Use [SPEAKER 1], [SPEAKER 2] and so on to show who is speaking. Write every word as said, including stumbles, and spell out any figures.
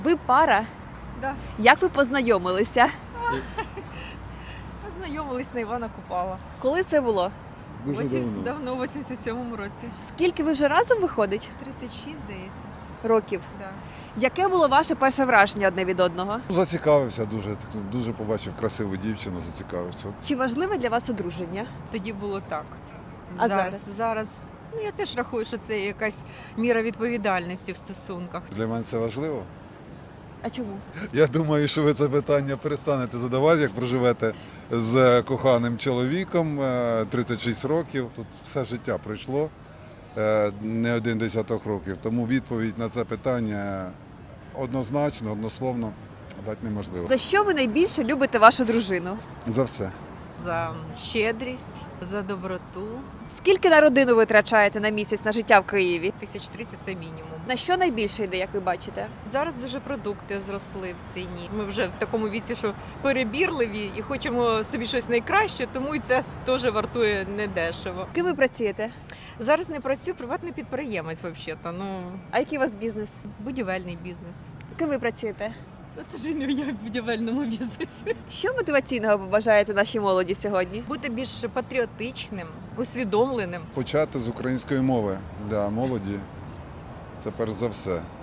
[SPEAKER 1] Ви пара?
[SPEAKER 2] Да.
[SPEAKER 1] Як ви познайомилися?
[SPEAKER 2] Познайомились на Івана Купала.
[SPEAKER 1] Коли це було?
[SPEAKER 3] Дуже
[SPEAKER 2] Восім-
[SPEAKER 3] давно.
[SPEAKER 2] давно, в вісімдесят сьомому році.
[SPEAKER 1] Скільки ви вже разом виходить?
[SPEAKER 2] тридцять шість, здається.
[SPEAKER 1] Років.
[SPEAKER 2] Да.
[SPEAKER 1] Яке було ваше перше враження одне від одного?
[SPEAKER 3] Зацікавився дуже, дуже побачив красиву дівчину, зацікавився.
[SPEAKER 1] Чи важливе для вас одруження?
[SPEAKER 2] Тоді було так.
[SPEAKER 1] А
[SPEAKER 2] Зар-
[SPEAKER 1] зараз?
[SPEAKER 2] Зараз, ну я теж рахую, що це якась міра відповідальності в стосунках.
[SPEAKER 3] Для мене це важливо.
[SPEAKER 1] А чому?
[SPEAKER 3] Я думаю, що ви це питання перестанете задавати, як проживете з коханим чоловіком, е, тридцять шість років. Тут все життя пройшло, е, не один десяток років. Тому відповідь на це питання однозначно, однословно дати неможливо.
[SPEAKER 1] За що ви найбільше любите вашу дружину?
[SPEAKER 3] За все.
[SPEAKER 2] За щедрість, за доброту.
[SPEAKER 1] Скільки на родину ви витрачаєте на місяць на життя в Києві?
[SPEAKER 2] Тисяч тридцять це мінімум.
[SPEAKER 1] На що найбільше йде, як ви бачите?
[SPEAKER 2] Зараз дуже продукти зросли в ціні. Ми вже в такому віці, що перебірливі і хочемо собі щось найкраще, тому і це теж вартує недешево.
[SPEAKER 1] Ким ви працюєте?
[SPEAKER 2] Зараз не працюю, приватний підприємець, взагалі-то. Ну,
[SPEAKER 1] А який у вас бізнес?
[SPEAKER 2] будівельний бізнес.
[SPEAKER 1] Ким ви працюєте?
[SPEAKER 2] Та це ж він не в будівельному бізнесі.
[SPEAKER 1] Що мотиваційного побажаєте нашій молоді сьогодні?
[SPEAKER 2] Бути більш патріотичним, усвідомленим.
[SPEAKER 3] Почати з української мови для молоді це перш за все.